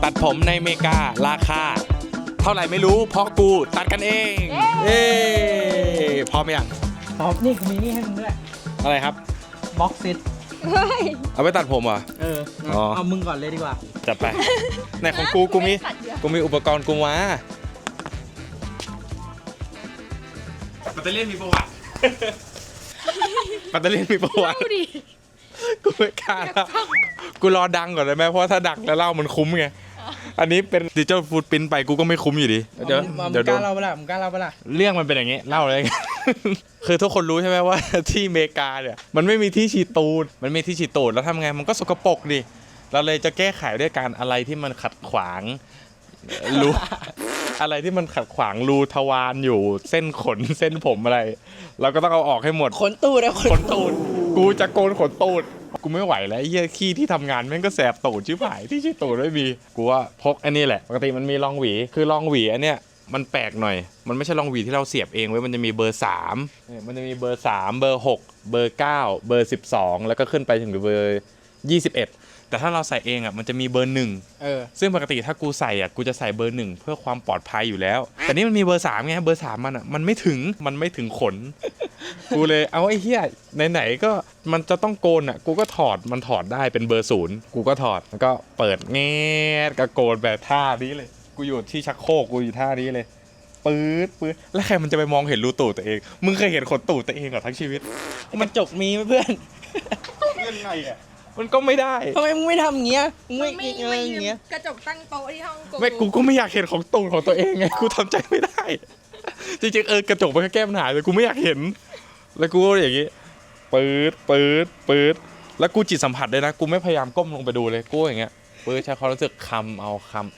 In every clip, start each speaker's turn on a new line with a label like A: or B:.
A: ตัดผมในอเมริการาคาเท่าไหร่ไม่รู้เพราะกูตัดกันเองเอ้พร้อมยัง
B: ตอบนี่กูมีนี่ให้มึงด้วย
A: อะไรครับ
B: บ็อกซิต
A: เอาไปตัดผมเหรอ
B: เอามึงก่อนเลยดีกว่า
A: จัดไปไหนของกูมีอุปกรณ์กูมาปัตเตอร์เลียนมีประวัติปัตเตอร์เลียนมีประวัติกูไม่กล้าแล้วกูรอดังก่อนเลยไหมเพราะถ้าดังแล้วเล่ามันคุ้มไงอันนี้เป็นดิจิทัลฟูดปรินท์ไปกูก็ไม่คุ้มอยู่ดีเดี๋ยว
B: กล้าเล่าเปล่ามึงกล้าเล่าเปล่า
A: เรื่องมันเป็นอย่างงี้เล่าเลย คือทุกคนรู้ใช่ไหมว่าที่อเมริกาเนี่ยมันไม่มีที่ฉีดตูดมันมีที่ฉีดตูดแล้วทำไงมันก็สกปรกดิเราเลยจะแก้ไขด้วยการอะไรที่มันขัดขวางรู อะไรที่มันขัดขวางรูทวารอยู่เส้นขนเส้นผมอะไรเราก็ต้องเอาออกให้หมด
B: ขนตูดนะ
A: ขนตูดกูจะโกนขนตูดกูไม่ไหวแล้วไอ้เหี้ยขี้ที่ทำงานแม่งก็แสบตูดชิบหายที่ชื่อตูดไม่มีกูว่าพกอันนี้แหละปกติมันมีรองหวีคือรองหวีอันเนี้ยมันแปลกหน่อยมันไม่ใช่รองหวีที่เราเสียบเองเว้ยมันจะมีเบอร์3เนี่ยมันจะมีเบอร์3เบอร์6เบอร์9เบอร์12แล้วก็ขึ้นไปถึงเบอร์21แต่ถ้าเราใส่เองอ่ะมันจะมีเบอร์1ซึ่งปกติถ้ากูใส่อ่ะกูจะใส่เบอร์1เพื่อความปลอดภัยอยู่แล้วแต่นี่มันมีเบอร์3ไงเบอร์3มันอ่ะมันไม่ถึงขน กูเลยเอาไอ้เหี้ยไหนๆก็มันจะต้องโกนอ่ะกูก็ถอดมันถอดได้เป็นเบอร์0กูก็ถอดแล้วก็เปิดแงดกระโกนแบบท่านี้เลยกูอยู่ที่ชักโครกกูอยู่ท่านี้เลยปื๊ดแล้วใครมันจะไปมองเห็นรูตูดตัวเองมึงเคยเห็นขนตูดตัวเองเหรอทั้งชีวิต
B: มันจกมีไหมเพื่อน
A: ยังไงอ่ะมันก็ไม่ได้
B: ทำไมมึงไม่ทำอย่างเงี้ยมึงไม่อะไรอย่างเงี้ย
C: กระจกตั้งโต๊ะที่ห้องกู
A: ไม่กูก็ไม่อยากเห็นของตูดของตัวเองไงกูทำใจไม่ได้ จริงๆกระจกมันก็แก้ปัญหาแต่กูไม่อยากเห็นแล้วกูก็อย่างงี้ปื๊ดแล้วกูจิตสัมผัสเลยนะกูไม่พยายามก้มลงไปดูเลยกูอย่างเงี้ยปื๊ดใช้ความรู้สึกคำเอา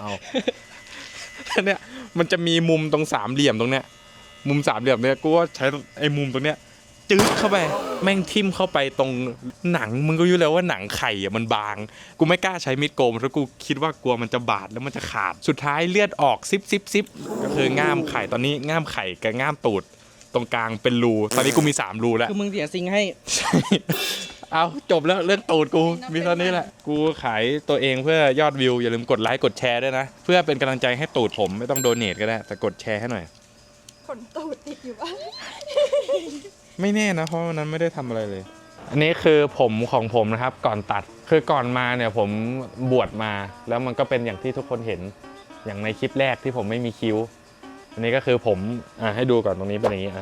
A: เนี่ยมันจะมีมุมตรงสามเหลี่ยมตรงเนี้ยมุมสามเหลี่ยมเนี่ยกูก็ใช้ไอ้มุมตรงเนี้ยจืดเข้าไปแม่งทิ่มเข้าไปตรงหนังมึงก็รู้แล้วว่าหนังไข่อะมันบางกูไม่กล้าใช้มีดโกนเพราะกูคิดว่ากลัวมันจะบาดแล้วมันจะขาดสุดท้ายเลือดออกซิบก็คือง่ามไข่ตอนนี้ง่ามไข่กับง่ามตูดตรงกลางเป็นรูตอนนี้กูมี3รูแล้ว
B: คือมึงเสียซิงให้
A: ใช่เอาจบแล้วเรื่องตูดกูมีเท่านี้แหละกูขายตัวเองเพื่อยอดวิวอย่าลืมกดไลค์กดแชร์ด้วยนะเพื่อเป็นกำลังใจให้ตูดผมไม่ต้องโดเนทก็ได้แต่กดแชร์ให้หน่อย
C: ขนตูดติดอยู่บ้าง
A: ไม่แน่นะเพราะวันนั้นไม่ได้ทำอะไรเลย อันนี้คือผมของผมนะครับก่อนตัดคือก่อนมาเนี่ยผมบวชมาแล้วมันก็เป็นอย่างที่ทุกคนเห็นอย่างในคลิปแรกที่ผมไม่มีคิ้วอันนี้ก็คือผมให้ดูก่อนตรงนี้เป็นอย่างนี้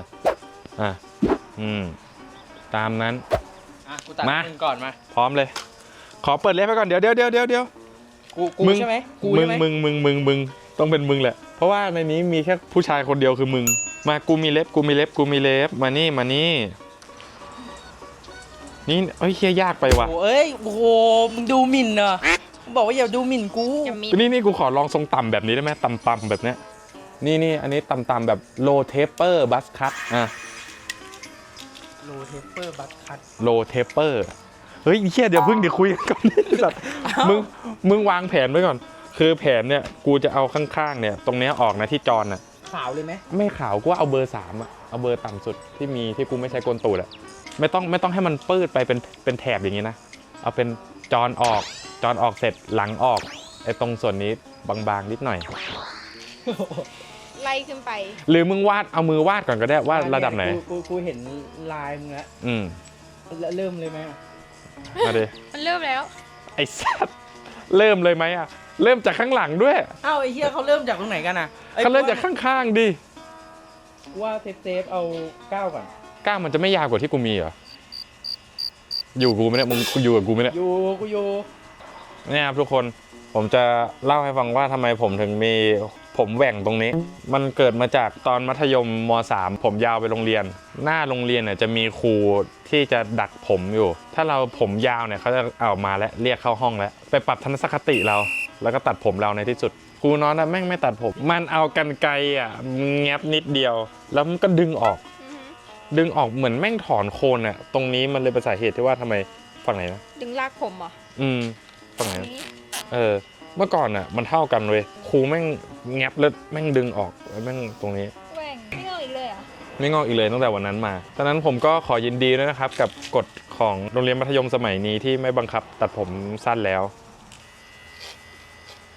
A: ตามนั้น
B: กูตัดมึงก่อนมา
A: พร้อมเลยขอเปิดเล็บไปก่อนเดี๋ยว
B: กูใช่ไหมกูใช่ไหม
A: มึงต้องเป็นมึงแหละเพราะว่าในนี้มีแค่ผู้ชายคนเดียวคือมึงมากูมีเล็บมานี่นี่เฮ้ยเฮียยากไปว่ะ
B: โอ้โหมึงดูหมิ่นเหรอบอกว่าอย่าดูหมิ่นกู
A: นี่กูขอลองทรงต่ำแบบนี้ได้ไหมต่ำแบบเนี้ยนี่อันนี้ต่ำแบบ low taper buzz cut
B: โลเทปเปอร์บัตคัท
A: low taper เฮ้ยเฮียเดี๋ยวคุยกันก่อนนี่สัตว์มึงวางแผนไว้ก่อนคือแผนเนี่ยกูจะเอาข้างๆเนี่ยตรงเนี้ยออกนะที่จรน่ะ
B: ขาวเลยไหม
A: ไม่ขาวกูเอาเบอร์3อ่ะเอาเบอร์ต่ำสุดที่มีที่กูไม่ใช้โกนตูดอ่ะไม่ต้องให้มันปื้ดไปเป็นแถบอย่างงี้นะเอาเป็นจรออกเสร็จหลังออกไอ้ตรงส่วนนี้บางๆนิดหน่อย
C: ไล่ขึ้นไป
A: หรือมึงวาดเอามือวาดก่อนก็ได้ว่าระดับไหน
B: กูเห็นลายมึงแล้วเริ่มเลยไหม
A: มาดิ
C: มันเริ่มแล้ว
A: ไอ้สัตว์เริ่มเลยไหมอ่ะเริ่มจากข้างหลังด้วย
B: อ้าวไอ้เหี้ยเขาเริ่มจากตรงไหนกันอ่ะ
A: เขาเริ่มจากข้างๆดิ
B: ว่าเซฟเอา9ก่อน
A: 9มันจะไม่ยาวกว่าที่กูมีเหรออยู่กูไม่ได้มึงอยู่กับกูไม่ได้
B: อยู่
A: เนี่ยครับทุกคนผมจะเล่าให้ฟังว่าทำไมผมถึงมีผมแหว่งตรงนี้มันเกิดมาจากตอนมัธยมม.3 ผมยาวไปโรงเรียนหน้าโรงเรียนเนี่ยจะมีครูที่จะดักผมอยู่ถ้าเราผมยาวเนี่ยเขาจะเอามาแล้วเรียกเข้าห้องแล้วไปปรับทัศนคติเราแล้วก็ตัดผมเราในที่สุดครูน้องนะแม่งไม่ตัดผมมันเอากรรไกรแงบนิดเดียวแล้วมันก็ดึงออกเหมือนแม่งถอนโคนอ่ะตรงนี้มันเลยเป็นสาเหตุที่ว่าทำไมฝั่งไหนนะ
C: ดึงลากผมเหรอ
A: ฝั่งไหนเมื่อก่อนอ่ะมันเท่ากันเลยครูแม่งแงบแล้วแม่งดึงออกแม่งตรงนี้
C: แหว่งไม่งอกอีกเลยอ่ะ
A: ไม่งอกอีกเลยตั้งแต่วันนั้นมาตอนนั้นผมก็ขอยินดีด้วยนะครับกับกฎของโรงเรียนมัธยมสมัยนี้ที่ไม่บังคับตัดผมสั้นแล้ว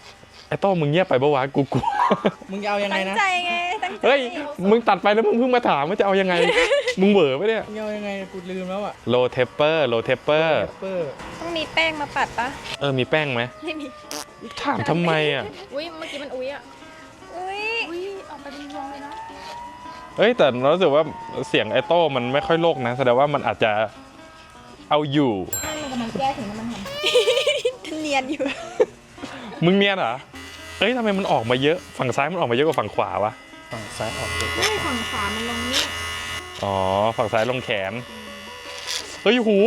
A: ไอ้โต้มึงเงียบไปปะวะกู
B: มึงจะเอายังไง
C: ตั้ง
B: นะ
C: ใจไง ตั้งใจ
A: เฮ้ยมึงตัดไปแล้วมึงเพิ่งมาถามว่าจะเอายังไง มึงเบอร์ปะเนี่ย
B: มึงจะเอายังไงกูลืมแล้วอ่ะ
A: โลเทปเปอร์โลเทปเปอร์
B: เปอร์
C: ต้องมีแป้งมาปัดปะ
A: มีแป้งไหม
C: ไม่มี
A: ถามทำไมอ่ะ
C: อุ้ยเมื่อกี้มันอุ้ยอ่ะ อุ้ยออกไปเป็นวงเลยเนาะ
A: เอ้ยแต่รู้สึกว่าเสียงไอโต้มันไม่ค่อยโลกนะแสดงว่ามันอาจจะเอาอยู่
C: ไม่มันกำลังแก้ถึงน้ำมันหอม เนียนอยู่
A: มึงเนียนเหรอเอ้ยทำไมมันออกมาเยอะฝั่งซ้ายมันออกมาเยอะกว่าฝั่งขวาวะ
B: ฝั่งซ้ายออกเด็ก
C: ไม่ฝั่งขวามันลงนี่
A: อ๋อฝั่งซ้ายลงแขนเฮ้ยหู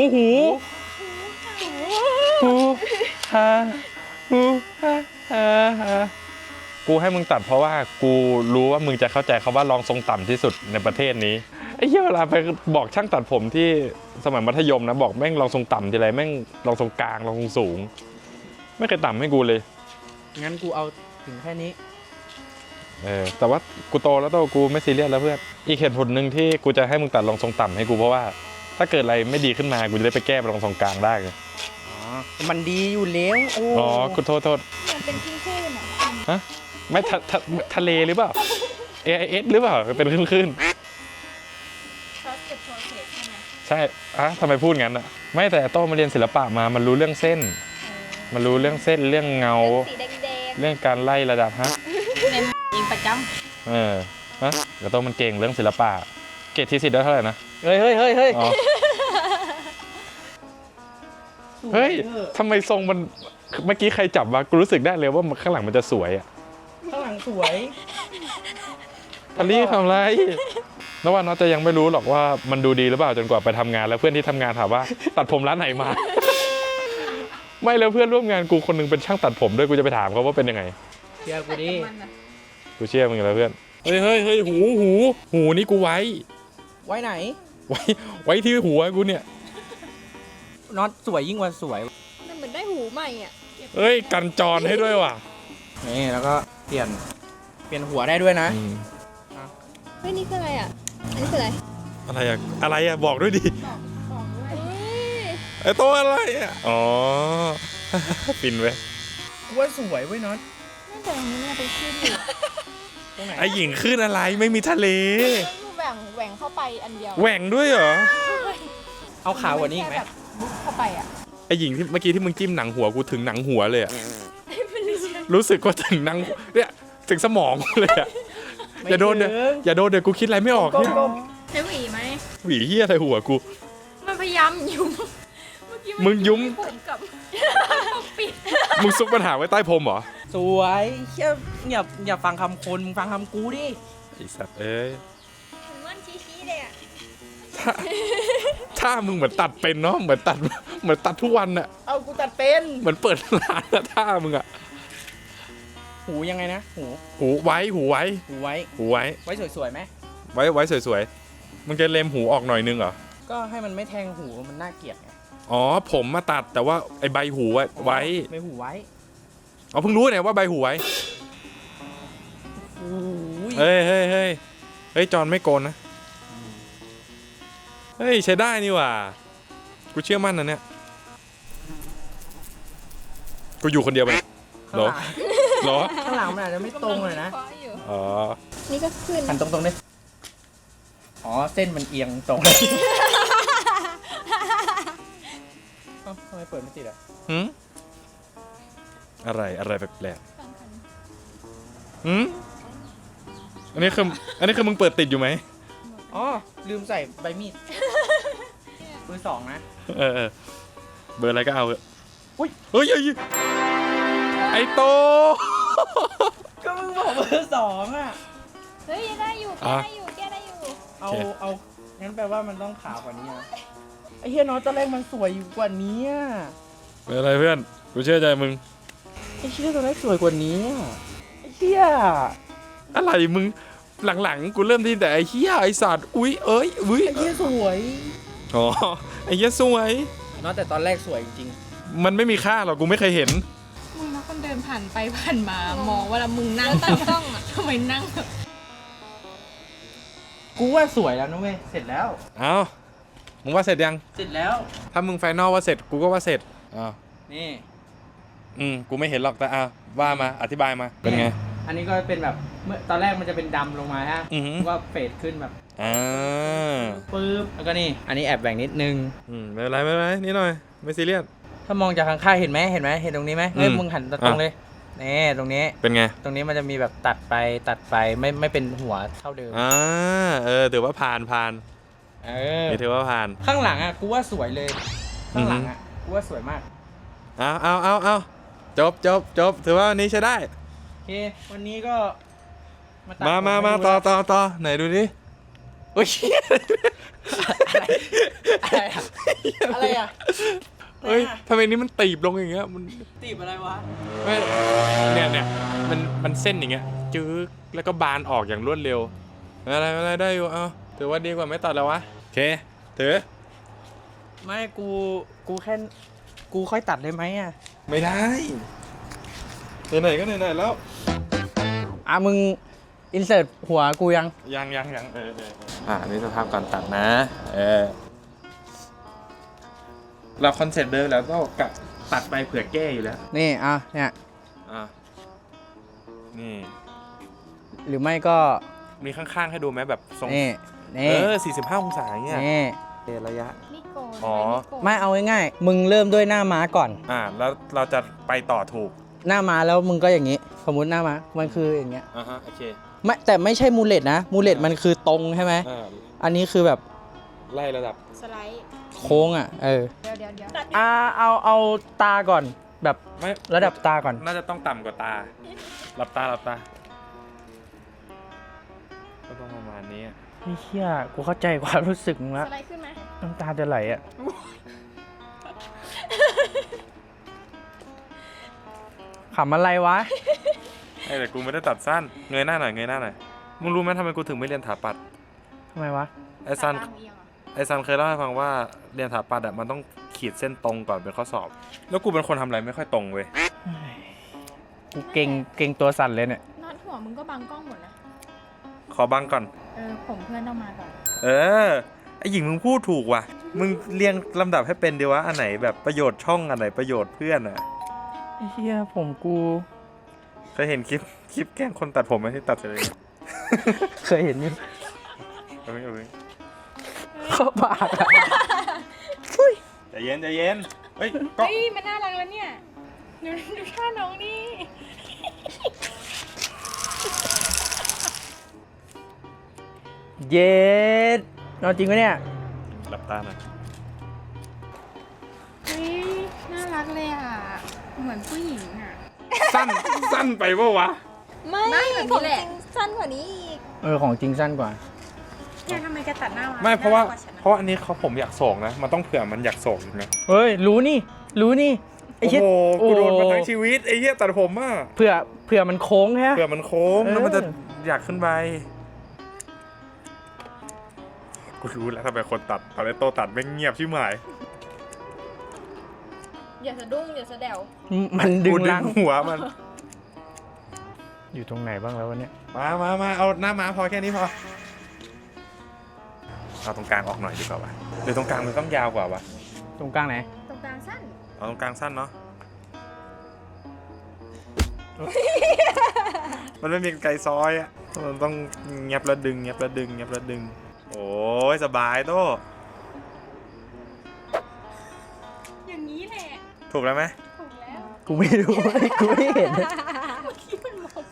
A: ฮาหูฮากูให้มึงตัดเพราะว่ากูรู้ว่ามึงจะเข้าใจคำว่ารองทรงต่ำที่สุดในประเทศนี้ไอ้เหี้ยเวลาไปบอกช่างตัดผมที่สมัยมัธยมนะบอกแม่งรองทรงต่ำทีไรแม่งรองทรงกลางรองทรงสูงไม่เคยต่ำให้กูเลย
B: งั้นกูเอาถึงแค่นี้
A: แต่ว่ากูโตแล้วกูไม่ซีเรียสแล้วเพื่อนอีกเหตุผลหนึ่งที่กูจะให้มึงตัดรองทรงต่ำให้กูเพราะว่าถ้าเกิดอะไรไม่ดีขึ้นมากูจะได้ไปแก้รองทรงกลางได้ไง
B: อ๋อ มันดีอยู่แล้วโอ้
A: อ๋อกูโทษ
C: มันเป็นคลื่นๆอ่ะ
A: ฮะไม่ทะเลหรือเปล่า AIS หรือเปล่าเป็นคลื่น
C: ซอสเก็บโปรเซสใช่ไหม
A: ๆใช่ทำไมพูดงั้นอ่ะไม่แต่โต้มาเรียนศิลปะมามันรู้เรื่องเส้น มันรู้เรื่องเส้นเรื่องเงา
C: สีแดง
A: เรื่องการไล่ระดับฮะ
B: ในเองประจ
A: ฮะแต่โต้มันเก่งเรื่องศิลปะเกรดที่10ได้เท่าไหร่นะ
B: ำเฮ้ย
A: อ๋อเฮ้ยทำไมทรงมันเมื่อกี้ใครจับวะกูรู้สึกได้เลยว่าข้างหลังมันจะสวยอ่ะ
B: ข้างหลังสวย
A: ทัลลี่ทำไรนว่าน้องจะยังไม่รู้หรอกว่ามันดูดีหรือเปล่าจนกว่าไปทำงานแล้วเพื่อนที่ทำงานถามว่า ตัดผมร้านไหนมา ไม่แล้วเพื่อนร่วมงานกูคนนึงเป็นช่างตัดผมด้วยกูจะไปถามเขาว่าเป็นยังไง
B: เชื่อ
C: ๆ
B: กูดิ
C: มันอ่ะ
A: กูเชื่อมึงอยู่แล้วเพื่อนเฮ้ยหูนี่กูไว้
B: ไว้ไหน
A: ไว้ที่หัวกูเนี่ย
B: น็อตสวยยิ่งกว่าสวย
C: มันเหมือนได้หูใหม่อ่ะ
A: เฮ้ยกันจรให้ด้วยว่ะ
B: นี่แล้วก็เปลี่ยนหัวได้ด้วยนะ
C: เฮ้ยนี่คืออะไรอ่ะ อันนี้คืออะไร
A: อะไรอะบอกด้วยดิ
C: บอกด้วย
A: ไอ้ตัวอะไรอะอ๋อ ปินไว้
B: กูว่าสวยเว้ยน็อต
C: น่าจะตรงนี้เนี่ยเป็นคลื่นอยู่
B: ตรงไหน
A: ไอ้หญิงขึ้นอะไรไม่มีทะเล
C: คือแหว่งเข้าไปอันเดียว
A: แหว่งด้วยเหรอ
B: เอาขาวกว่านี้อีกไหม
C: แบบบุกเข้าไปอ่ะ
A: ไอ้หญิงที่เมื่อกี้ที่มึงจิ้มหนังหัวกูถึงหนังหัวเลยอะรู้สึกว่าถึงหนังเนี่ยถึงสมองเลยอะอย่าโดนเดี๋ยวกูคิดอะไรไม่ออก
B: ก้
A: เนี่ย
B: ม
C: ใช้หวีไหม
A: หวีเหี้ยอะไรหัวกู
C: มันพยายามยุ้มเมื่อกี้
A: มึงยุ้ม
C: ผมกับปิด
A: มึงซุกปัญหาไว้ใต้พรมเหรอ
B: สวยเชี่ยอย่าฟังคำคนมึงฟังคำกูดิ
A: ไอ้สัตว์เอ้ย
C: เหมือนม่อนชี้ๆเลยอ่ะ
A: ถ้ามึงเหมือนตัดเป็นเนาะเหมือนตัดทุกวันอะ
B: เอากูตัดเป็น
A: เหมือนเปิดร้านอะท่ามึงอะ
B: หูยังไงนะหู
A: หูไว้
B: ไว้
A: ไว้
B: สวยๆไหม
A: ไว้สวยๆมึงจะเลมหูออกหน่อยนึงเหรอ
B: ก็ให้มันไม่แทงหูมันน่าเกลียดไง
A: อ๋อผมมาตัดแต่ว่าไอ้ใบหูไว้
B: ไม่หูไว้
A: อ๋อเพิ่งรู้เนี่ยว่าใบหูไว้
B: โอ้ย
A: เฮ้ยจอนไม่โกนนะเฮ้ยใช้ได้นี่หว่ากูเชื่อมั่นนะเนี่ยกูอยู่คนเดียวไป
B: ข้างหลัง
A: เหรอ
B: ข้างหลังมันอาจจะไม่ตรงเลยนะ
A: อ๋อ
C: นี่ก็ขึ้น
B: หันตรงๆเลยอ๋อเส้นมันเอียงตรงเอ้าทำไมเปิดไม่ติดอ่ะ
A: หืมอะไรแปลกๆหืมอันนี้คือมึงเปิดติดอยู่ไหม
B: อ๋อลืมใส่ใบมีดเบอร์สองนะ
A: เออเบอร์อะไรก็เอาเถอะ
B: อุ๊ย
A: เฮ้ยไอ้โต
B: ก็มึงบอกเบอร์สองอ่ะ
C: เฮ้ยได้อยู่แก้ได้อยู่แก้ได้อยู่
B: เอางั้นแปลว่ามันต้องขาวกว่านี้นะไอ้เฮียน้อยตอนแรกมันสวยอยู่กว่านี้อะ
A: เป็นอะไรเพื่อนกูเชื่อใจมึง
B: ไอ้เฮียตอนแรกสวยกว่านี้อะไอ้เฮีย
A: อะไรมึงหลังๆกูเริ่มที่แต่ไอ้เหี้ยไอ้สัตว์อุ้ยอุ้
B: ไอ้เฮียสวย
A: อ๋อไอ้เหี้ยสวย
B: น้อยแต่ตอนแรกสวยจริง
A: มันไม่มีค่าหรอกกูไม่เคยเห็น
D: มึงแล้วคนเดินผ่านไปผ่านมามองเวลามึงนั่งตั้งกล้องอ่ะทำไมนั่งแบบ
B: ๆกูว่าสวยแล้วนะเว้ยเสร็จแล้ว
A: เอามึงว่าเสร็จยัง
B: เสร็จแล้ว
A: ถ้ามึงไฟนอลว่าเสร็จกูก็ว่าเสร็จอ้าว
B: นี่
A: กูไม่เห็นหรอกแต่ว่ามาอธิบายมาเป็นไง
B: อันนี้ก็เป็นแบบเมื่อตอนแรกมันจะเป็นดำลงมาฮะ
A: อือหือ
B: ก็เฟดขึ้นแบบ
A: ปึ๊บ
B: แล้วก็นี่ อันนี้แอบแบ่งนิดนึง
A: ไม่เป็นไรไม่เป็นไรนิดหน่อยไม่ซีเรียส
B: ถ้ามองจากข้างๆเห็นไหมเห็นตรงนี้ไหมเฮ้ยมึงหันตรงเลยนี่ตรงนี้
A: เป็นไง
B: ตรงนี้มันจะมีแบบตัดไปไม่เป็นหัวเท่าเดิม
A: ถือว่าผ่านนี่ถือว่าผ่าน
B: ข้างหลังอ่ะกูว่าสวยเลย ข้างหลังอ่ะกูว่าสวยมาก
A: เอาจบถือว่าวันนี้ใช้ได้
B: โอเควันนี้ก็ตัด
A: มาต่อไหนดูดิโอ้ย
B: อะไรอ่ะ
A: เฮ้ยทำไมนี้มันตีบลงอย่างเงี้ยมัน
B: ตีบอะไรวะ
A: ไม่เนี่ยมันเส้นอย่างเงี้ยจื้อแล้วก็บานออกอย่างรวดเร็วอะไรได้อยู่ถือว่าดีกว่าไม่ตัดแล้ววะโอเคถือ
B: ไม่กูแค่กูค่อยตัดได้ไหมอ่ะ
A: ไม่ได้ไหนๆก็ไหนๆแล้ว
B: มึงอินเสิร์ตหัวกูยัง
A: ยังอันนี้สภาพก่อนตัดนะเราคอนเซ็ปต์เดิมแล้วก็กะตัดไปเผื่อแก้อยู่แล้ว
B: นี่เนี่ย
A: นี่
B: หรือไม่ก็
A: มีข้างๆให้ดูไหมแบบทรง
B: นี่
A: 45 องศาเงี้ย
B: นี่
A: ระยะ
C: นี่โกน
A: อ๋อ
B: ไม่เอาง่ายๆมึงเริ่มด้วยหน้าม้าก่อน
A: แล้วเราจะไปต่อถูก
B: หน้าม้าแล้วมึงก็อย่างนี้ สมมุติหน้าม้ามันคืออย่างเงี้ย
A: โอเค
B: ไม่แต่ไม่ใช่มูเลตนะมูเลตมันคือตรงใช่ไหมอันนี้คือแบบ
A: ไล่ระดับ
C: สไลด์
B: โค้ง
C: เ
B: เ
C: ดี๋ยว
B: เอาตาก่อนแบบ
A: ไม่
B: ระดับตาก่อน
A: น่าจะต้องต่ำกว่าตาหลับตาก็ต้องประมาณนี้
B: พี่เชี่ยกูเข้าใจความรู้สึกมึงละ
C: สไลด์ขึ้นไหม
B: น้ำตาจะไหลอ่ะขำอะไรวะ
A: แต่กูไม่ได้ตัดสั้นเงยหน้าหน่อยมึงรู้ไหมทำไมกูถึงไม่เรียนถาปัด
B: ทำไมวะ
A: ไอซันเคยเล่าให้ฟังว่าเรียนถาปัดมันต้องขีดเส้นตรงก่อนเป็นข้อสอบ แล้วกูเป็นคนทำอะไรไม่ค่อยตรงเว้ย
B: กูเก่งตัวสั่นเลยเนี่ย
C: นอนหัวมึงก็บังกล้องหมดนะ
A: ขอบังก่อน
C: ผมเพื่อนต้องมาก่อน
A: ไอหญิงมึงพูดถูกว่ะมึงเรียงลำดับให้เป็นดีวะอันไหนแบบประโยชน์ช่องอันไหนประโยชน์เพื่อน
B: ไอ้เหี้ยผมกู
A: เคยเห็นคลิปแกล้งคนตัดผมไหมที่ตัดเลย
B: เคยเห็นอยู่
A: เอาไป
B: เข้าปากอะ
A: ใจเย็นเฮ้ยก็
C: เฮ้ยมันน่ารักแล้วเนี่ยดูท่าน้องนี่
B: เย็ดนอนจริงปะเนี่ย
A: หลับตาหน่อย
C: เฮ้ยน่ารักเลยอ่ะเหมือนผู้หญิงอ่ะ
A: สั้นไปปะวะ
C: ไม่แบบนี้แหละสั้นกว่านี้อีก
B: ของจริงสั้นกว่า
C: แกทำไมแกตัดหน้า
A: ไม่เพราะว่าอันนี้ผมอยากโศกนะมันต้องเผื่อมันอยากโศกนะ
B: เฮ้ยรู้นี่ไอ้
A: โอ้
B: เหี้ย
A: โหกูโดนมาทั้งชีวิตไอ้เหี้ยตัดผมอ่ะ
B: เผื่อมันโค้งฮะ
A: เผื่อมันโค้งแล้วมันจะอยากขึ้นไปกูรู้แล้วทำไมคนตัดตอนนี้โตตัดไม่เงียบชิบหาย
C: อย่าสะดุ้งอย่าสะแดว
B: มันดึ
A: กู
B: ง
A: ดึ
B: ลั
A: ง
B: ง
A: หัวมัน
B: อยู่ตรงไหนบ้างแล้ววะเนี่ย
A: มาเอาหน้าม้าพอแค่นี้พอเอาตรงกลางออกหน่อยดีกว่าวะหรือตรงกลางมันต้องยาวกว่าวะ
B: ตรงกลางไหน
C: ตรงกลางสั้น
A: เอาตรงกลางสั้นเนาะ มันไม่มีไกลซอยอ่ะมันต้องเงียบแล้วดึงโอ้ยสบายโต
C: อย่างนี้แหละ
A: ถูกแล้วไหม
C: ถูกแล้ว
B: กูไม่รู้ กูไม่เห็น
C: เมื่อกี้มันมองมา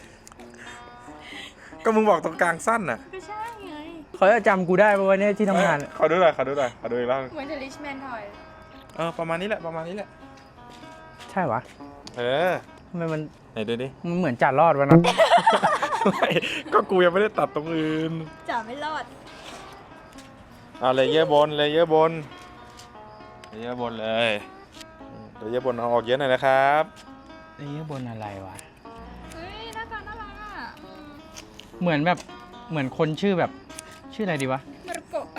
A: ก็มึงบอกตรงกลางสั้นน่ะ
C: ก็ใช่ไง
B: เขาจะจำกูได้ปะวะเนี่ยที่ทำงาน
A: ขอดูหน่อยขอดูอีกรอบ
C: เหมือนจะลิชแมนทอย
A: ประมาณนี้แหละ
B: ใช่วะ ทำไมมัน
A: ไหนดูดิ
B: มันเหมือนจ่ารอดวะนะ
A: ก็กูยังไม่ได้ตัดตรงอื่น
C: จ่าไม่รอด
A: เลเยอร์บนเลยเลเยอร์บนเลยเลเยอร์บนเอาออกเยอะหน่อยนะครับ
B: ไอ้เหี้ยบนอะไรวะ
C: เฮ้ยหน้าตาน่ารักอ่ะ
B: เหมือนคนชื่อแบบชื่ออะไรดีวะ
C: มารุโกะ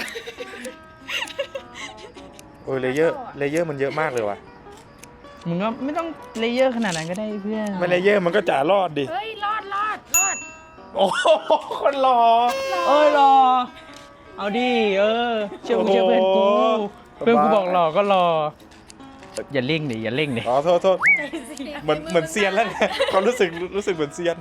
A: โอ้ยเลเยอร์มันเยอะมากเลยว่ะ
B: มึงก็ไม่ต้องเลเยอร์ขนาดนั้นก็ได้เพื่อน
A: ไม่เลเยอร์มันก็จ่ารอดดิ
C: เฮ้ยรอด
A: โอ้โหคนรอ
B: รอ เอาดิเชื่อเพื่อนกู
A: โอ้โห
B: เพื่อนกูบอกรอก็รอ
E: อย่าเร่งดิอย่าเร่งดิ
A: อ๋อโทษเหมือนเซียนแล้วเนี่ยความรู้สึกเหมือนเซียน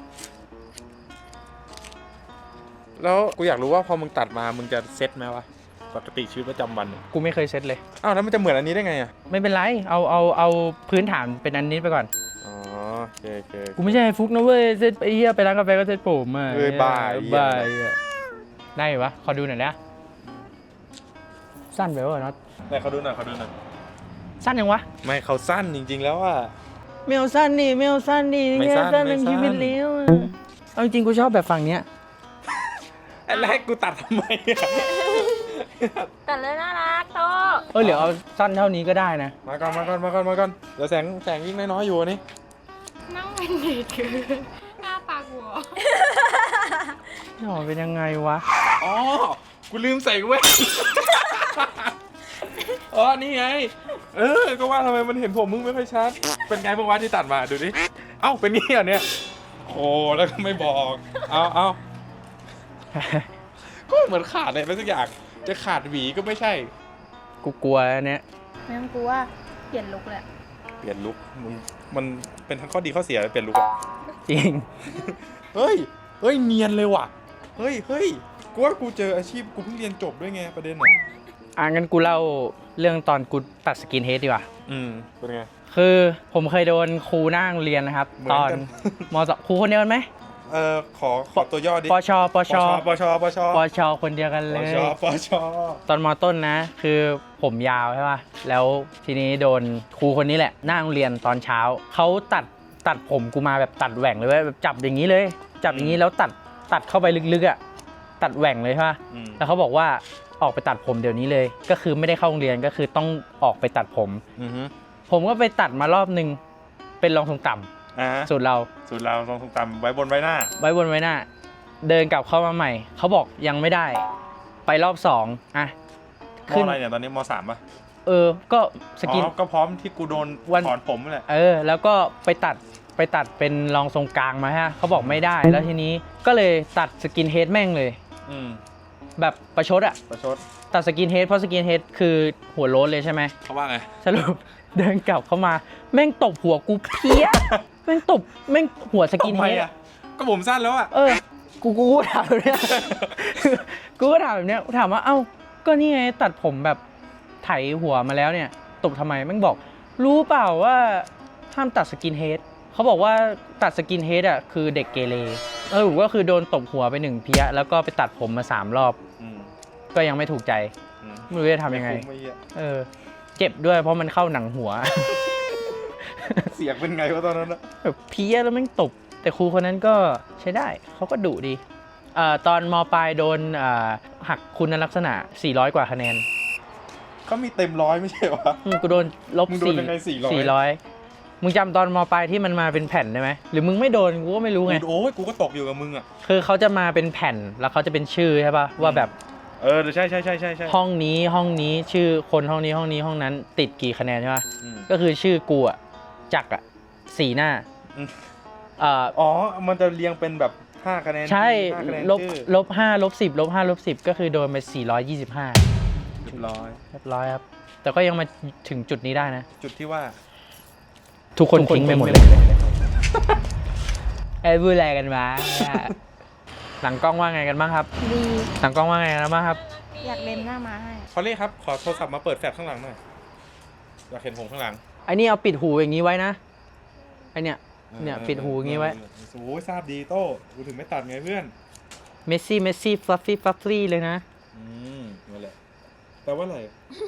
A: แล้วกูอยากรู้ว่าพอมึงตัดมามึงจะเซ็ตไหมวะปกติชีวิตประจำวันเนี่ย
E: กูไม่เคยเซ็ตเลย
A: อ้าวแล้วมันจะเหมือนอันนี้ได้ไงอ่ะ
E: ไม่เป็นไรเอาพื้นฐานเป็นอันนี้ไปก่อน
A: อ๋อโอเค
E: กูไม่ใช่ไอ้ฟุกนะเว้ยเซ็ตไอ้เหี้ยไปร้านกาแฟก็เซ็ตผมอ่ะ
A: เอ้ยบ้า
E: บ้าอ่ะได้ปะขอดูหน่อยนะสั้นไปวะน็อต
A: ไหนเขาดูหน่อย
E: สั้นยังวะ
A: ไม่เขาสั้นจริงๆแล้วอ่ะ
E: ไม่เอาสั้นดิไม่เอาสั้นดิ
A: ไม่สั้น
E: สั้น
A: ไม่
E: เป็น
A: สั้น
E: ชีวิตเลี้ยวอะเอาจริงๆกูชอบแบบฝั่งเนี้ย
A: อันแรกกูตัดทำไมอ่ะ
C: แต่เลยน่ารักโต
E: เหลือเอาสั้นเท่านี้ก็ได้นะ
A: มาก่อนเดี๋ยวแสงยิ่งน้อยๆอยู่อันนี้
D: นั่งเป็นเด็กคือหน้าปากหัว
E: หน่อเป็นยังไงวะ
A: อ๋อกูลืมใส่แว่น อ๋อนี่ไงก็ว่าทำไมมันเห็นผมมึงไม่ค่อยชัดเป็นไงบ้างวะที่ตัดมาดูดิเอ้าเป็นงี้เหรอเนี่ยโอ้แล้วก็ไม่บอกเอาก็เหมือนขาดอะไรไปสักอย่างจะขาดหวีก็ไม่ใช่
E: กูกลัวอันเนี้ย
C: ไม่ต้องกลัวเปลี่ยนลุคแหละ
A: เปลี่ยนลุคมันเป็นทั้งข้อดีข้อเสียเปลี่ยนลุคอะ
E: จริง
A: เฮ้ยเนียนเลยว่ะเฮ้ยกูว่ากูเจออาชีพกูเพิ่งเรียนจบด้วยไงประเด็นอ่ะ
E: งั้นกูเล่าเรื่องตอนกูตัดสกินเฮดดีกว่า
A: เป็นไง
E: คือผมเคยโดนครูหน้าโรงเรียนนะครับ
A: เหมือน
E: ตอน
A: กัน
E: มสครูคนเดียวกันไหม
A: ขอตัวย่อดิ
E: ปช
A: ปช
E: คนเดียวกันเลย
A: ปช
E: ตอนมต้นนะ คือผมยาวใช่ป่ะ แล้วทีนี้โดนครูคนนี้แหละหน้าโรงเรียนตอนเช้า เขาตัดผมกูมาแบบตัดแหว่งเลยเว้ยแบบจับอย่างนี้เลย จับอย่างนี้แล้วตัดเข้าไปลึกๆอ่ะ ตัดแหว่งเลยใช่ป่ะ แล้วเขาบอกว่าออกไปตัดผมเดี๋ยวนี้เลย ก็คือไม่ได้เข้าโรงเรียนก็คือต้องออกไปตัดผม ผมก็ไปตัดมารอบนึง เป็นรองทรงต่ำสูตรเรา
A: ลองทรงต่ำไว้บนไว้หน้า
E: ไว้บนไว้หน้า เดินกลับเข้ามาใหม่ เขาบอกยังไม่ได้ ไปรอบ2อ่ะ
A: มอะไรเนี่ยตอนนี้ม3ป่ะ
E: ก็สกิน
A: ก็พร้อมที่กูโดน
E: วัน
A: ถอนผมนั่นแหละ
E: แล้วก็ไปตัดเป็นรองทรงกลางมาฮะเขาบอกไม่ได้ แล้วทีนี้ก็เลยตัดสกินเฮดแม่งเลย แบบประชดอะ
A: ประชด
E: ตัดสกินเฮดเพราะสกินเฮดคือหัวโล้นเลยใช่ไหม
A: เขาว่าไง
E: สรุป เดินกลับเข้ามาแม่งตบหัวกูเพี้ย แม่งตบแม่งหัวสกินเฮด
A: ก็ผมสั้นแล้วอ่ะ
E: กูถามแบบเนี้ย กูก็ถามแบบเนี้ยถามว่าเอ้าก็นี่ไงตัดผมแบบไถหัวมาแล้วเนี่ยตบทำไมแม่งบอก รู้เปล่าว่าห้ามตัดสกินเฮดเขาบอกว่าตัดสกินเฮดอ่ะคือเด็กเกเรก็คือโดนตบหัวไป1เพี้ยแล้วก็ไปตัดผมมา3รอบก็ยังไม่ถูกใจไม่รู้จะทำยังไงเจ็บด้วยเพราะมันเข้าหนังหัว
A: เสียงเป็นไงวะตอนนั้นอะ
E: แบบเพี้ยแล้วแม่งตบแต่ครูคนนั้นก็ใช้ได้เขาก็ดุดีตอนมปลายโดนหักคุณลักษณะ400กว่าคะแนน
A: เขามีเต็มร้อยไม่ใช่วะ
E: กูโดนลบ
A: มึงโดนยังไง400
E: มึงจำตอนมปลายที่มันมาเป็นแผ่นได้ไหมหรือมึงไม่โดนกูก็ไม่รู้ไง
A: โอ้ยกูก็ตกอยู่กับมึงอ่ะ
E: คือเขาจะมาเป็นแผ่นแล้วเขาจะเป็นชื่อใช่ป่ะว่าแบบ
A: ใช่
E: ห้องนี้ชื่อคนห้องนี้ห้องนั้นติดกี่คะแนนใช่ป่ะก็คือชื่อกูอ่ะจักรอ่ะ4 หน้า
A: มันจะเรียงเป็นแบบ5คะแนน
E: ใช่
A: 5คะแนน
E: ลบ5ลบ10ลบ5ลบ10ก็คือโดนไป425
A: เรียบร้อย
E: ครับแต่ก็ยังมาถึงจุดนี้ได้นะ
A: จุดที่ว่า
E: ทุกคนทิ้งไปหมดเลยพูดอะไรกันวะ หลังกล้องว่าไงกันบ้างครับ
C: ดี
E: หลังกล้องว่าไงกันบ้างครับ
C: อยากเล่นหน้าม้าให้
A: พอลลี่ครับขอโทรศัพท์มาเปิดแฟลชข้างหลังหน่อยอยากเห็นผมข้างหลัง
E: ไอ้นี่เอาปิดหูอย่างนี้ไว้นะไอเนี่ยปิดหูอย่างนี้ไว้
A: โอ้ยทราบดีโต้กูถึงไม่ตัดไงเพื่อน
E: เมสซี่ฟลัฟฟี่เลยนะ
A: นั่นแหละแปลว่าอะไร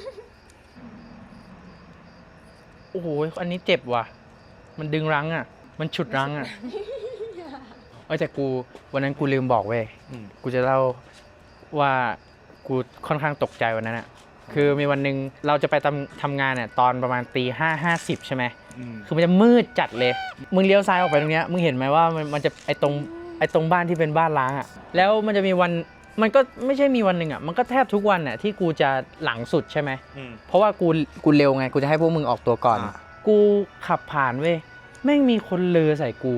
E: โอ้โหอันนี้เจ็บว่ะมันดึงรั้งอ่ะมันฉุดรั้งอ่ะแต่กูวันนั้นกูลืมบอกเว้ยกูจะเล่าว่ากูค่อนข้างตกใจวันนั้นอ่ะคือมีวันหนึ่งเราจะไปทำงานเนี่ยตอนประมาณ5:50ใช่ไหมคือมันจะมืดจัดเลยมึงเลี้ยวซ้ายออกไปตรงเนี้ยมึงเห็นไหมว่ามันจะไอตรงบ้านที่เป็นบ้านล้างอ่ะแล้วมันจะมีวันมันก็ไม่ใช่มีวันหนึ่งอ่ะมันก็แทบทุกวันอ่ะที่กูจะหลังสุดใช่ไหมเพราะว่ากูเร็วไงกูจะให้พวกมึงออกตัวก่อนกูขับผ่านเว้ยแม่งมีคนเลอใส่กู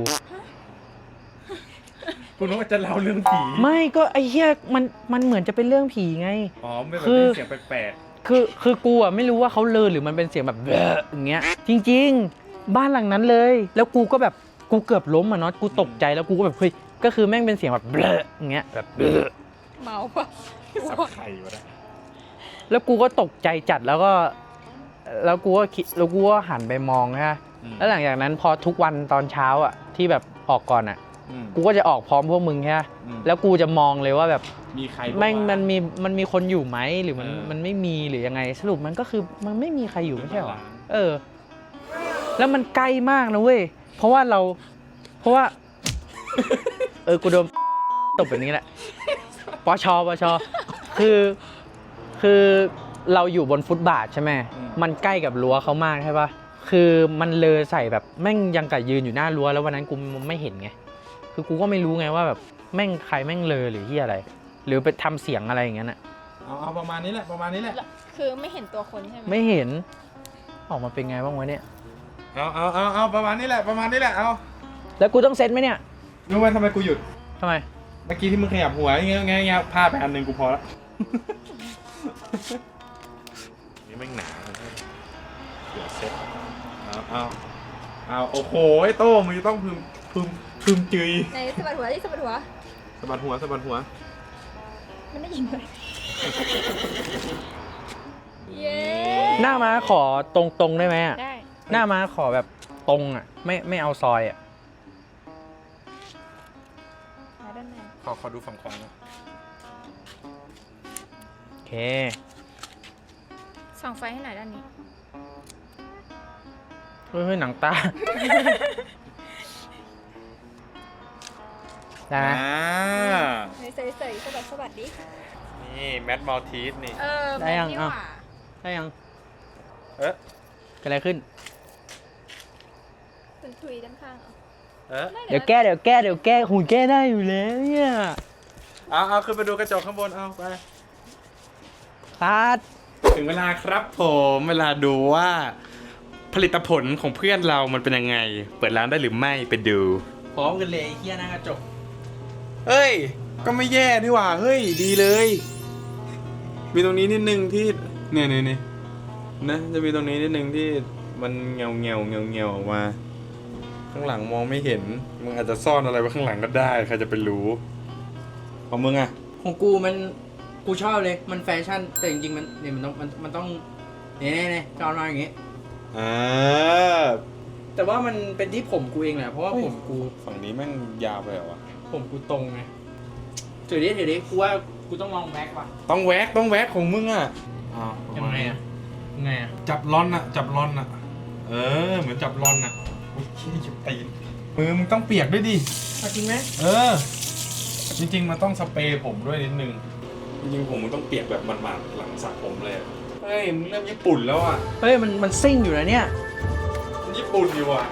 A: กูนึกว่าจะเล่าเรื่องผี
E: ไม่ก็ไอ้เหี้ยมันเหมือนจะเป็นเรื่องผีไง
A: ไม่แบบเสียงแปลก
E: คือกูอ่ะไม่รู้ว่าเขาเลอหรือมันเป็นเสียงแบบเบออย่างเงี้ย จริง ๆ บ้านหลังนั้นเลย แล้วกูก็แบบกูเกือบล้มอ่ะเนาะกูตกใจแล้วกูก็แบบเฮ้ยก็คือแม่งเป็นเสียงแบบเบออย่างเงี้ยแบบเบอ
D: เมาปะ
A: สับไข่วะนะ
E: แล้วกูก็ตกใจจัดแล้วกูก็คิดแล้วกูก็หันไปมองฮะแล้วหลังจากนั้นพอทุกวันตอนเช้าอ่ะที่แบบออกก่อนอ่ะกูก็จะออกพร้อมพวกมึงใช่ไหมแล้วกูจะมองเลยว่าแบบ
A: มีใคร
E: แม่งมันมีคนอยู่ไหมหรือมันไม่มีหรือยังไงสรุปมันก็คือมันไม่มีใครอยู่ไม่ใช่หรอแล้วมันใกล้มากนะเว้ยเพราะว่ากูโดนตบแบบนี้แหละปชคือเราอยู่บนฟุตบาทใช่ไหมมันใกล้กับรั้วเขามากใช่ปะคือมันเลยใส่แบบแม่งยังกับยืนอยู่หน้ารั้วแล้ววันนั้นกูไม่เห็นไงคือกูก็ไม่รู้ไงว่าแบบแม่งใครแม่งเลยหรือที่อะไร หรือไปทำเสียงอะไรอย่างเงี้ยน่ะ
A: เอาประมาณนี้แหละประมาณนี้แหละ
D: คือไม่เห็นตัวคนใช่ไหม
E: ไม่เห็นออกมาเป็นไงบ้างวะเนี่ย
A: เอาประมาณนี้แหละประมาณนี้แหละเอา
E: แล้วกูต้องเซ็ตไหมเนี่ย
A: รู้ไหมทำไมกูหยุด
E: ทำไม
A: เมื่อกี้ที่มึงขยับหัวอย่างเงี้ยพลาดไปอันหนึ่งกูพอละนี่แม่งหนาเดี๋ยวเซ็ตเอาโอ้โหไอ้โต้มึงจะต้องพึมจืย
D: ในสะบัดหัวที่สะบัดหัว
A: สะบัดหัว
D: มันได้ยินเลยเย้
E: หน้าม้าขอตรงได้ไหมอะ
D: ได้
E: หน้าม้าขอแบบตรงอ่ะไม่เอาซอยอ่ะ
D: มาด้านใน
A: ขอดูฝั่งขวานะ
E: โอเค
D: ส่องไฟให้หน่อยด้านนี้
E: เฮ้ยหนังตา ได้ไหม
D: ใส่สะบัดดิ
A: นี่แมทมัลทีสนี่
E: ได้ยัง
D: นี่ห
E: อ้าว
D: ว่า
E: ได้ยัง
A: เอ๊ะ
E: เกิดอะไรขึ้น
D: คุณทุยด้านข้างเหรอ
A: เอ๊ะ
E: เดี๋ยวแก้หุ่นแก้ได้อยู่แล้วเนี่ย
A: เอาขึ้นไปดูกระจกข้างบนเอาไป
E: ตัด
A: ถึงเวลาครับผมเวลาดูว่าผลิตผลของเพื่อนเรามันเป็นยังไง เปิดร้านได้หรือไม่ไปดู
E: พร้อมกันเลยเฮียหน้ากระจก
A: เฮ้ย ก็ไม่แย่นี่หว่า เฮ้ย ดีเลย มีตรงนี้นิดนึงที่เนี่ยนะจะมีตรงนี้นิดนึงที่มันเงาออกมา ข้างหลังมองไม่เห็นมึงอาจจะซ่อนอะไรไว้ข้างหลังก็ได้ใครจะไปรู้ของมึงอะ
E: ของกูชอบเลยมันแฟชั่นแต่จริงๆมันต้องเนี่ยจอนมาอย่างงี้ แต่ว่ามันเป็นที่ผมกูเองแหละเพราะว่าผมกู
A: ฝั่งนี้แม่งยาวไปเหรอวะ
E: ผมกูตรงไงถือดิกูว่ากูต้องลองแบ็กว่ะ
A: ต้องแว็กของมึงอะ
E: ยังไงอะ
A: จับลอนอะเหมือนจับลอนอะอุ้ยขี้จุดตีนมือมึงต้องเปียกด้วยดิ
E: จริงไหม
A: จริงๆมันต้องสเปรย์ผมด้วยนิดนึงจริงๆผมมันต้องเปียกแบบหมาดๆหลังสระผมเลยเฮ้ยมึงเริ่มญี่ปุ่นแล้วอะ
E: เฮ้ยมันซิ่งอยู่นะเนี่ย
A: มันญี่ปุ่นอยู่อะ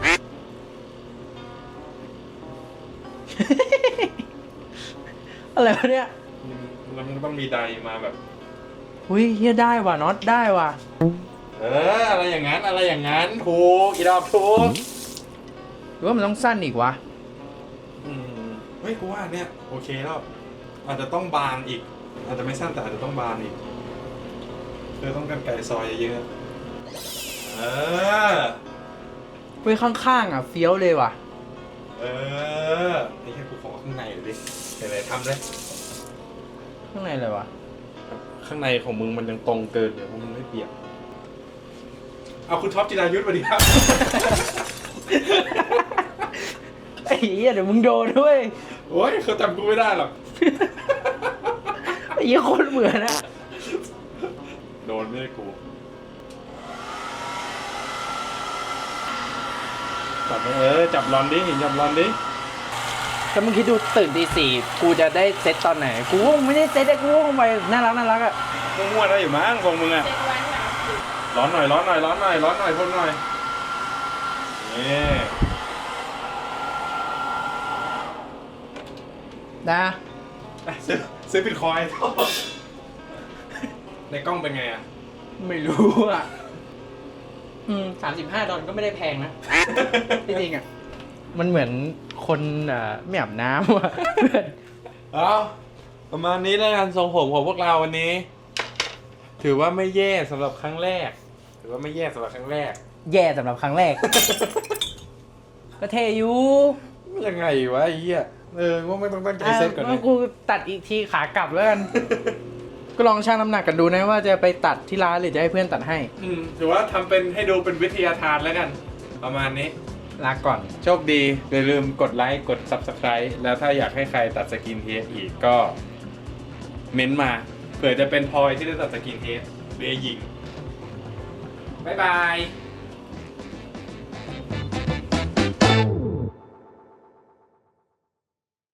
E: อะไรวะเนี่ย
A: แล้วมันต้องมีไดมาแบบ
E: อุ้ยเฮียได้ว่ะน็อตได้ว่ะ
A: อะไรอย่างนั้นถูกอีดอกถูก
E: หรือว่ามันต้องสั้นอีกวะ
A: เฮ้ยกูว่าเนี่ยโอเคแล้วอาจจะต้องบานอีกอาจจะไม่สั้นแต่อาจจะต้องบานอีกต้องกันไก่ซอยเยอะ
E: เฮ้ยข้างๆอ่ะเฟี้ยวเลยว่ะ
A: ไอ้แค่กูขอข้างในหน่อยดิไหนๆทำเลย
E: ข้างในเลยวะ
A: ข้างในของมึงมันยังตรงเกินเลยเพราะมันไม่เปียกเอาคุณท็อปจิรายุทธสวัสดีครับ
E: ไอ้เหี้ยเดี๋ยวมึงโดนด้วย
A: โอ้ยเขาจำกูไม่ได้หรอก
E: ไอ้เหี้ยโคตรเหมือนอะ
A: โดนไม่ได้กูจับรอนดิจับรอนดิ
E: ถ้ามึงคิดดูตื่นตี 4กูจะได้เซตตอนไหนกูก็ไม่ได้เซตแต่กูก็ไปน่ารักอ่ะ
A: มั่วๆได้อยู่มั้งของมึงอะ
D: เจ็ดวันเหรอ
A: ร้อนหน่อยพ่นหน่อยนี่
E: นะ
A: ซื้อบิตคอยน์ในกล้องเป็นไงอะ
E: ไม่รู้อ่ะ$35ก็ไม่ได้แพงนะ จริงๆอ่ะมันเหมือนคนไม่อาบน้ำว่ะ
A: เอาประมาณนี้แล้วกันทรงผมของพวกเราวันนี้ ถถือว่าไม่แย่สำหรับครั้งแรก ถือว่าไม่แย่สำหรับครั้งแรก
E: แย่สำหรับครั้งแรก ก็เทอยู่
A: ยังไงวะไอ้เหี้ยว่าไม่ต้องตั้งใจเซตก่อน
E: งั้
A: นะ
E: นกูตัดอีกทีขากลับแล้วกัน ก็ลองชั่งน้ำหนักกันดูนะว่าจะไปตัดที่ร้านหรือจะให้เพื่อนตัดให้
A: ถือว่าทำเป็นให้ดูเป็นวิทยาทานแล้วกัน ประมาณนี้
E: ลาก่อน
A: โชคดีอย่าลืมกดไลค์กด Subscribe แล้วถ้าอยากให้ใครตัดสกินเฮดอีกก็ เม้นต์มาเผื่อจะเป็นพลอยที่ได้ตัดสกินเฮดหรือยิง บ๊ายบาย